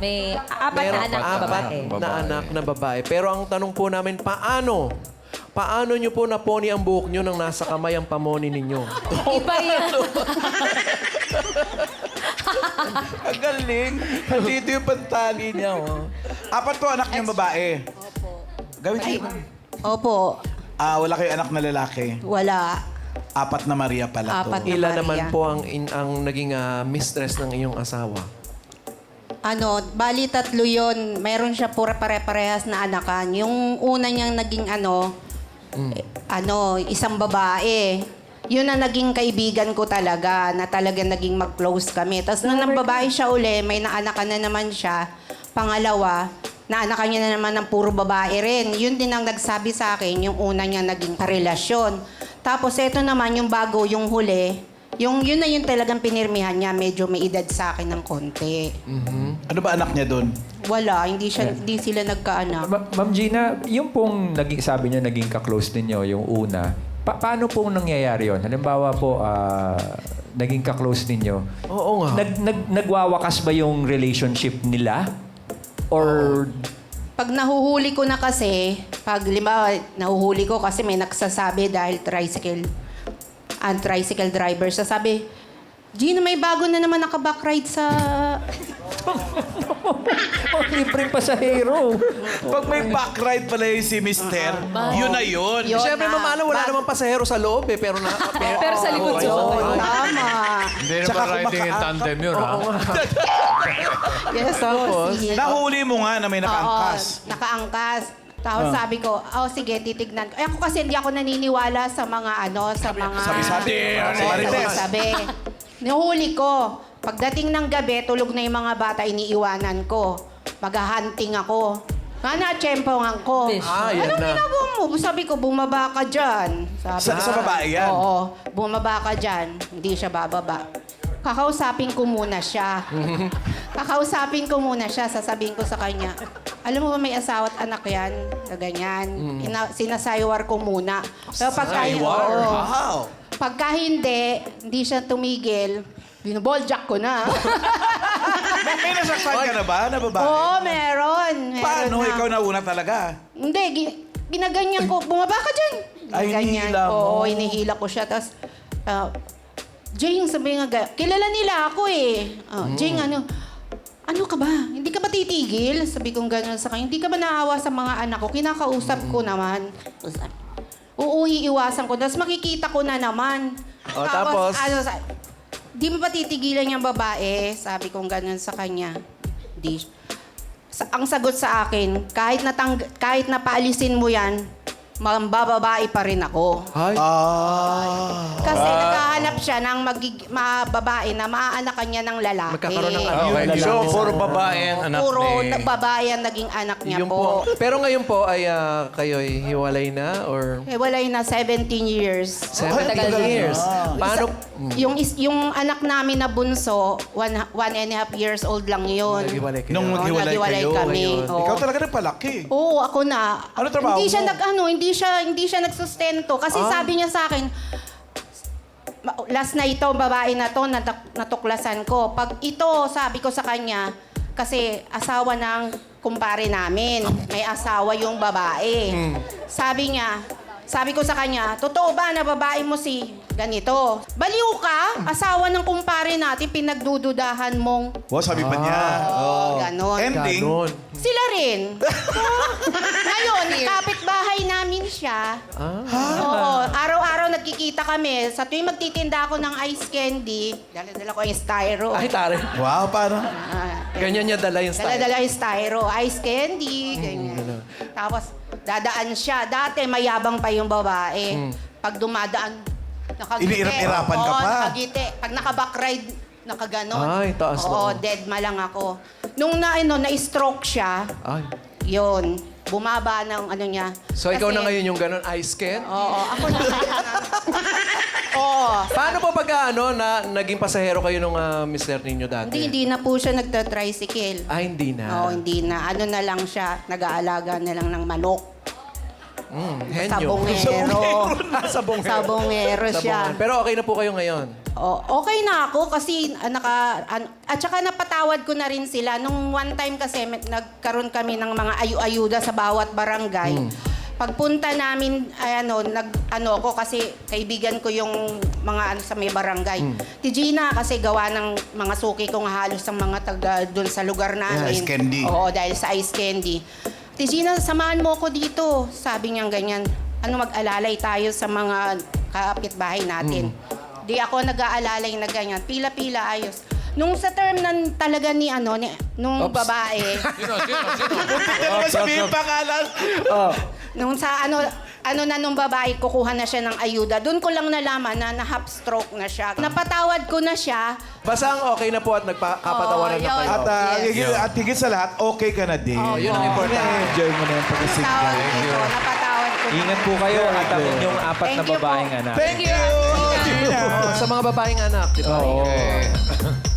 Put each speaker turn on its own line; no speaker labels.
May apat na
Meron
anak na
apat
babae.
na anak na babae. Pero ang tanong po namin, paano? Paano nyo po naponi ang buhok nyo nang nasa kamay ang pamoni ninyo?
Iba yan.
Ang galing. Nandito yung pantali niya, oh. Apat to anak niyang babae.
Opo.
Gawin niyo.
Opo.
Wala kayong anak na lalaki.
Wala.
Apat na Maria pala to.
Apat.
Ilan
Maria.
naman po ang naging mistress ng iyong asawa?
Bali tatlo yun. Mayroon siya pura pare-parehas na anakan. Yung una niyang naging isang babae. Yun ang naging kaibigan ko talaga, na talagang naging mag-close kami. Tapos nung babae siya uli, may naanakan na naman siya. Pangalawa, naanakan niya na naman ng puro babae rin. Yun din ang nagsabi sa akin, yung una niya naging karelasyon. Tapos eto naman, yung bago, yung huli, yun na yung talagang pinirmihan niya, medyo may edad sa akin ng konti.
Ano ba anak niya doon?
Wala, hindi sila nagkaanak.
Ma'am Gina, yung pong sabi niyo naging ka-close ninyo, yung una, paano pong nangyayari yun? Halimbawa po, naging ka-close ninyo.
Oo nga.
Nagwawakas ba yung relationship nila? Or...
Pag nahuhuli ko na kasi, nahuhuli ko kasi may nagsasabi dahil tricycle driver, sasabi, Gina, may bago na naman naka-backride sa...
libreng pasahero.
Pag may backride pala yung si Mister, yun na yun.
Yun
Siyempre,
na.
mamala, wala namang pasahero sa loob eh. Pero
Pero sa likod yun.
Tama.
Hindi
Tsaka
naman riding in
kumaka-
tandem yun, ha?
Yes,
Tapos?
sige.
Nahuli mo nga na may nakaangkas.
Oo, nakaangkas. Tapos sabi ko, sige, titignan ko. Ako kasi hindi ako naniniwala sa mga
Sabi-sabi. Marites.
Sabi. Nahuli ko. Pagdating ng gabi, tulog na yung mga bata, iniiwanan ko. Mag-hunting ako. Nga na-tsempongan ko.
Fish.
Yan
Anong
na.
ginagawa mo? Sabi ko, bumaba ka dyan. Sabi
Sa babae yan?
Oo, bumaba ka dyan. Hindi siya bababa. Kakausapin ko muna siya. Sasabihin ko sa kanya, alam mo ba may asawa at anak yan? Na ganyan. Sinasaywar ko muna. Pero
Wow.
pagka hindi siya tumigil, binoboljack ko na.
May nasaktan ka na ba na babae?
Oo, meron.
Paano?
na.
Ikaw nauna talaga.
Hindi, ginaganyan ko. Bumaba ka dyan.
Ay,
Ganyan.
hinihila mo.
Oo, hinihila ko siya. Tapos, Jing, sabi nga, kilala nila ako eh. Jing, ano ka ba? Hindi ka ba titigil? Sabi kong gano'n sa kanya. Hindi ka ba naawa sa mga anak ko? Kinakausap ko naman. Oo, iiwasan ko. Tapos makikita ko na naman.
Tapos?
Di mo ba titigilan yung babae? Sabi kong gano'n sa kanya. Di. Ang sagot sa akin, kahit napaalisin mo yan, mambababae pa rin ako.
Ay.
Kasi naghahanap siya ng babae na maaanakan niya ng lalaki.
Magkakaroon ng
Okay, so puro babae ang anak
Puro
ni...
babae ang naging anak niya
Yun
po.
Pero ngayon po ay kayo'y hiwalay na or
Walay na 17 years.
17 years. Paano?
Yung anak namin na bunso, 1.5 years old lang yun.
Naghiwalay kayo?
Nung
Oo,
maghiwalay
naghiwalay
kayo.
kami. Oo.
Ikaw talaga nagpalaki.
Oo, ako na.
Ano trabaho
hindi siya
mo?
hindi siya nagsustento kasi sabi niya sa akin, last na ito, babae na to, natuklasan ko. Pag ito, sabi ko sa kanya, kasi asawa ng kumpare namin, may asawa yung babae. Sabi ko sa kanya, totoo ba na babae mo si ganito? Baliw ka, asawa ng kumpare natin, pinagdududahan mong
Sabi pa niya.
ganon.
Ending.
Ganon.
Sila rin. Ngayon, kapitbahay namin siya. Oo, araw-araw nagkikita kami. Sa tuwing magtitinda ako ng ice candy, dala-dala ko yung styro.
Ay, tare.
Wow, paano?
Ganyan niya dala yung style.
Dala-dala yung styro, ice candy, ganyan. Tapos, dadaan siya. Dati, mayabang pa yung babae. Pag dumadaan, nakagiti.
Iniirap-irapan ka
Oo,
pa.
nakagiti. Pag naka-backride, nakaganon.
Ay, taas
Oo,
naman.
dead ma lang ako. Nung na-stroke siya,
Ay.
yun, bumaba ng niya.
So, ikaw
Kasi-
na ngayon yung ganon ice can?
Oo, ako na. Oo.
Paano po pagka naging pasahero kayo nung mister ninyo dati?
Hindi na po siya nagta-tricycle.
Hindi na.
Oo, hindi na. Ano na lang siya, nag-aalaga na lang ng manok.
Henyo.
Sabongero.
Sabongero.
Sabongero siya.
Pero okay na po kayo ngayon?
okay na ako kasi at saka napatawad ko na rin sila. Nung one time kasi nagkaroon kami ng mga ayuda sa bawat barangay. Pagpunta namin, ako kasi kaibigan ko yung mga sa may barangay. Si Gina kasi gawa ng mga suki kong halos ang mga taga doon sa lugar namin.
Ice candy.
Oo, dahil sa ice candy. Si Gina, samahan mo ako dito. Sabi niya ganyan. Mag-alalay tayo sa mga kapitbahay natin. Di ako nag-aalalay na ganyan. Pila-pila ayos. Nung sa term talaga nung babae,
Muntik na naman sabihin pangalan.
nung sa nung babae, kukuha na siya ng ayuda. Doon ko lang nalaman na half stroke na siya. Napatawad ko na siya.
Basta ang okay na po at nagkapatawaran na
Oo,
kayo.
At,
Yes.
at higit sa lahat, okay ka na din.
Yun ang importante.
Enjoy mo na yung pag-single.
Napatawad ko.
Ingat po kayo at ang inyong apat na
Thank you po.
babaeng anak.
Thank you, Gina.
Sa mga babaeng anak, di ba?
Okay.